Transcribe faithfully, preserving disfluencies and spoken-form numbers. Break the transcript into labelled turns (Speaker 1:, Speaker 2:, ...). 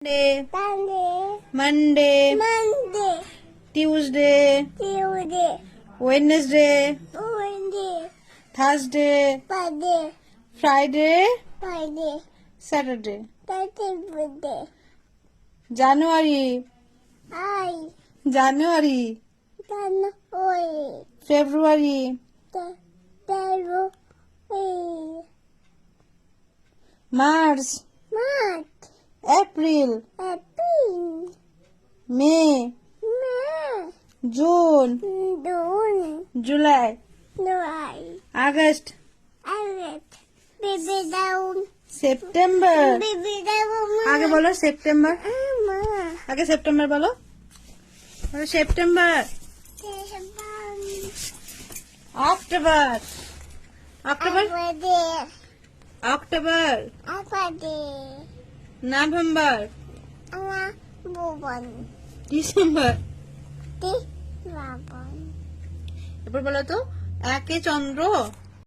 Speaker 1: Monday,
Speaker 2: Sunday,
Speaker 1: Monday,
Speaker 2: Monday,
Speaker 1: Tuesday,
Speaker 2: Tuesday,
Speaker 1: Wednesday,
Speaker 2: Wednesday,
Speaker 1: Thursday,
Speaker 2: Friday,
Speaker 1: Friday,
Speaker 2: Friday,
Speaker 1: Saturday.
Speaker 2: Saturday,
Speaker 1: January,
Speaker 2: I,
Speaker 1: January,
Speaker 2: January,
Speaker 1: February,
Speaker 2: February,
Speaker 1: March,
Speaker 2: March,
Speaker 1: April,
Speaker 2: April,
Speaker 1: May,
Speaker 2: May,
Speaker 1: June,
Speaker 2: June,
Speaker 1: July,
Speaker 2: July,
Speaker 1: August,
Speaker 2: August, baby down,
Speaker 1: September.
Speaker 2: baby down,
Speaker 1: আগে বলো September.
Speaker 2: Mama,
Speaker 1: আগে September বলো। বলো September, October, October,
Speaker 2: Friday,
Speaker 1: October,
Speaker 2: Friday,
Speaker 1: November,
Speaker 2: Ana, Bobon,
Speaker 1: December.
Speaker 2: Di, Rabon.
Speaker 1: এরপর বলো তো একে চন্দ্র,